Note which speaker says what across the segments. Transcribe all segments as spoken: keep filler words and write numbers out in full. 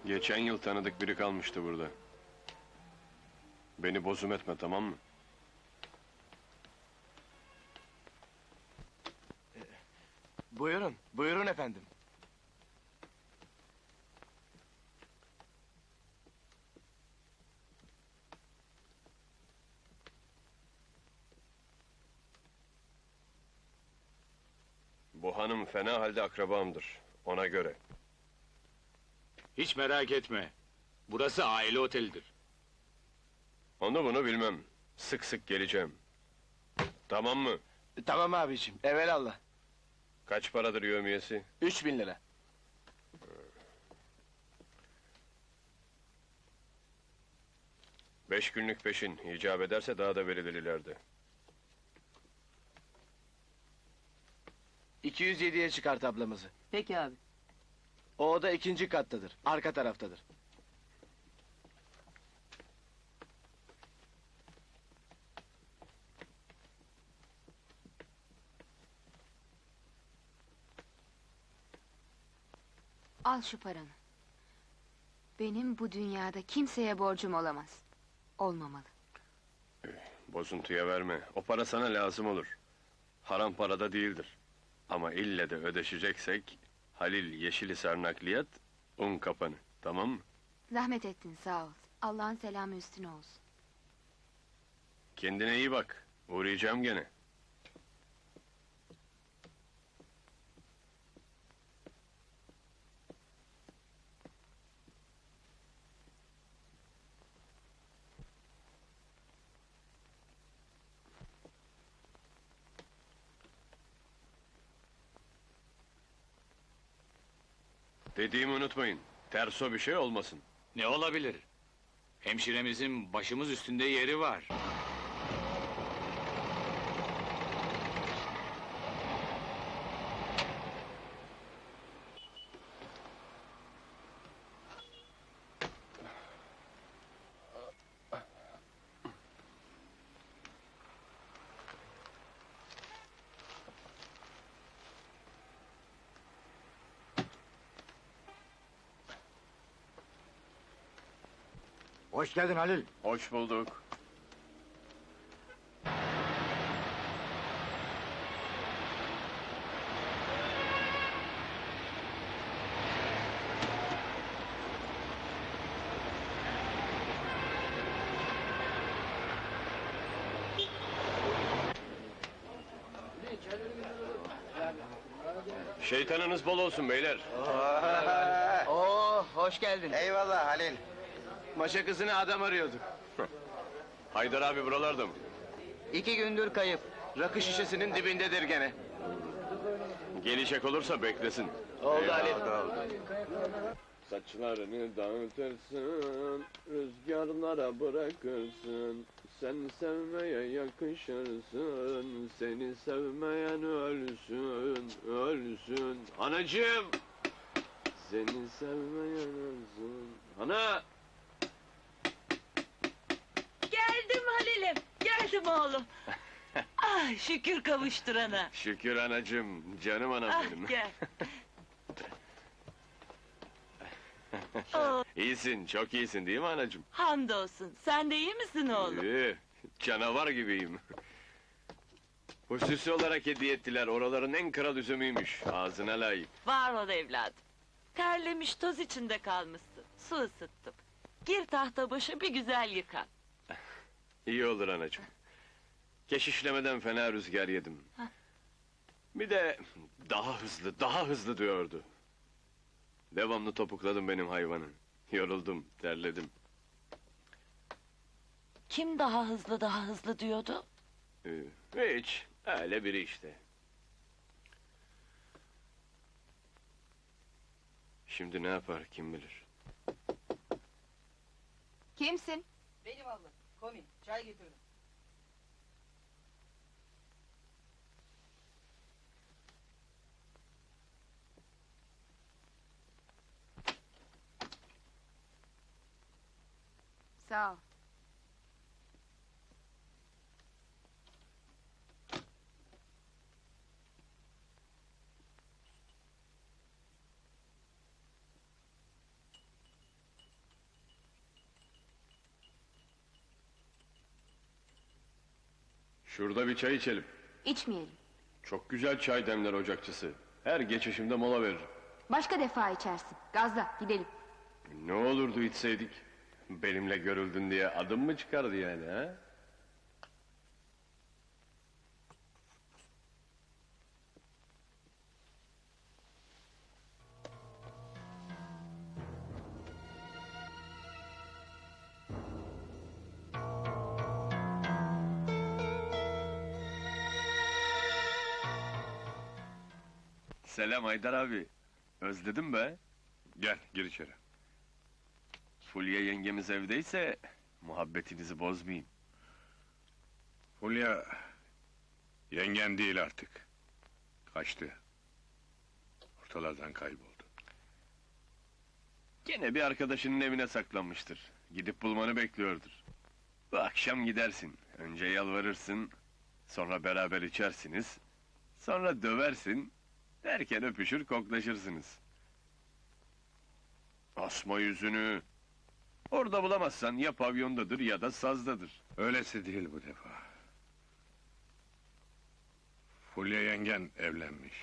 Speaker 1: Geçen yıl tanıdık biri kalmıştı burada. Beni bozum etme, tamam mı?
Speaker 2: Buyurun, buyurun efendim.
Speaker 1: Bu hanım fena halde akrabamdır, ona göre.
Speaker 3: Hiç merak etme. Burası aile otelidir.
Speaker 1: Onu bunu bilmem. Sık sık geleceğim. Tamam mı?
Speaker 2: Tamam abiciğim, evelallah.
Speaker 1: Kaç paradır yevmiyesi?
Speaker 2: Üç bin lira.
Speaker 1: Beş günlük peşin, icap ederse daha da verilir ileride.
Speaker 2: iki yüz yediye çıkart ablamızı.
Speaker 4: Peki abi.
Speaker 2: O oda ikinci kattadır, arka taraftadır.
Speaker 5: Al şu paranı. Benim bu dünyada kimseye borcum olamaz. Olmamalı.
Speaker 1: Bozuntuya verme, o para sana lazım olur. Haram parada değildir. Ama ille de ödeşeceksek... Halil Yeşilisar Nakliyat, un kapanı, tamam mı?
Speaker 5: Zahmet ettin, sağ ol. Allah'ın selamı üstüne olsun.
Speaker 1: Kendine iyi bak, uğrayacağım gene. Dediğimi unutmayın, terso bir şey olmasın.
Speaker 3: Ne olabilir? Hemşiremizin başımız üstünde yeri var.
Speaker 6: Hoş geldin Halil.
Speaker 1: Hoş bulduk. Şeytanınız bol olsun beyler.
Speaker 2: Oo, hoş geldin.
Speaker 6: Eyvallah Halil.
Speaker 2: Maşa kızını adam arıyorduk.
Speaker 1: Haydar abi buralarda mı?
Speaker 2: İki gündür kayıp. Rakı şişesinin dibindedir gene.
Speaker 1: Gelecek olursa beklesin.
Speaker 2: Oldu Halil.
Speaker 1: Saçlarını dağıtırsın, rüzgarlara bırakırsın. Sen sevmeye yakışırsın, seni sevmeyen ölsün, ölsün. Anacığım! Seni sevmeyen ölsün. Ana!
Speaker 4: Geldim Halil'im, geldim oğlum. Ah, şükür kavuşturana.
Speaker 1: Şükür anacığım, canım anam
Speaker 4: Ah,
Speaker 1: benim.
Speaker 4: gel. Oo,
Speaker 1: İyisin, çok iyisin değil mi anacığım?
Speaker 4: hamdolsun, sen de iyi misin oğlum?
Speaker 1: İyi, canavar gibiyim. Hususi olarak hediye ettiler, oraların en kral üzümüymüş. Ağzına layık.
Speaker 4: Var ol evladım. Terlemiş, toz içinde kalmışsın. Su ısıttım. Gir tahta başı, bir güzel yıkan.
Speaker 1: İyi olur anacığım. Keşişlemeden fena rüzgar yedim.
Speaker 4: Hah.
Speaker 1: Bir de daha hızlı, daha hızlı diyordu. Devamlı topukladım benim hayvanı. Yoruldum, terledim.
Speaker 4: Kim daha hızlı daha hızlı diyordu?
Speaker 1: Ee, hiç, öyle biri işte. Şimdi ne yapar kim bilir.
Speaker 5: Kimsin?
Speaker 7: Benim abla, komi, çay getiriyorum.
Speaker 5: Sağ ol.
Speaker 1: Şurada bir çay içelim.
Speaker 5: İçmeyelim.
Speaker 1: Çok güzel çay demler ocakçısı. Her geçişimde mola veririm.
Speaker 5: Başka defa içersin. Gazla gidelim.
Speaker 1: Ne olurdu içseydik? Benimle görüldün diye adım mı çıkardı yani ha? Selam Haydar abi. Özledim be.
Speaker 8: Gel, gir içeri.
Speaker 1: Fulya yengemiz evdeyse muhabbetinizi bozmayayım.
Speaker 8: Fulya, yengen değil artık. Kaçtı. Ortalardan kayboldu.
Speaker 1: Gene bir arkadaşının evine saklanmıştır. Gidip bulmanı bekliyordur. Bu akşam gidersin. Önce yalvarırsın, sonra beraber içersiniz, sonra döversin, derken öpüşür koklaşırsınız. Asma yüzünü. Orada bulamazsan ya pavyondadır ya da sazdadır.
Speaker 8: Öylesi değil bu defa. Fulya yengen evlenmiş.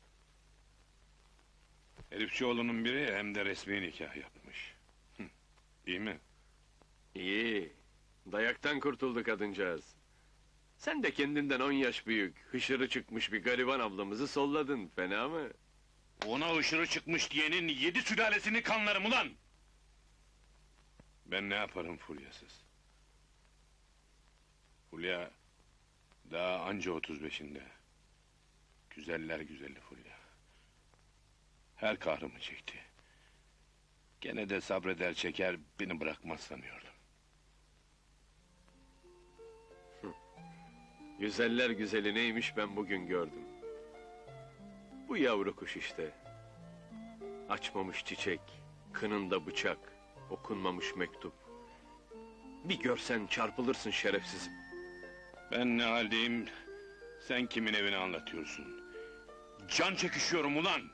Speaker 8: Herifçioğlu'nun biri hem de resmi nikah yapmış. Hı, İyi mi?
Speaker 1: İyi. Dayaktan kurtuldu kadıncağız. Sen de kendinden on yaş büyük, hışırı çıkmış bir gariban ablamızı solladın, fena mı?
Speaker 8: Ona ışırı çıkmış diyenin yedi sülalesini kanlarım ulan! Ben ne yaparım Fulya'sız? Fulya daha anca otuz beşinde. Güzeller güzeli Fulya. Her kahrımı çekti. Gene de sabreder çeker, beni bırakmaz sanıyordum.
Speaker 1: Güzeller güzeli neymiş ben bugün gördüm. Bu yavru kuş işte. Açmamış çiçek, kınında bıçak, okunmamış mektup. Bir görsen çarpılırsın şerefsizim.
Speaker 8: Ben ne haldeyim, sen kimin evini anlatıyorsun? Can çekişiyorum ulan!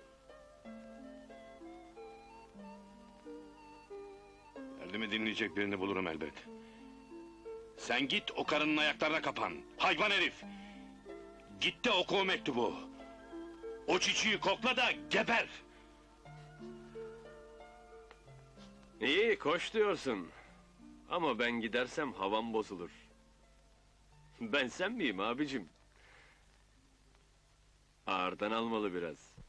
Speaker 8: Derdimi dinleyecek birini bulurum elbet. Sen git o karının ayaklarına kapan, hayvan herif! Git de oku o mektubu! O çiçeği kokla da geber!
Speaker 1: İyi, koş diyorsun. Ama ben gidersem havam bozulur. Ben sen miyim abicim? Ağırdan almalı biraz.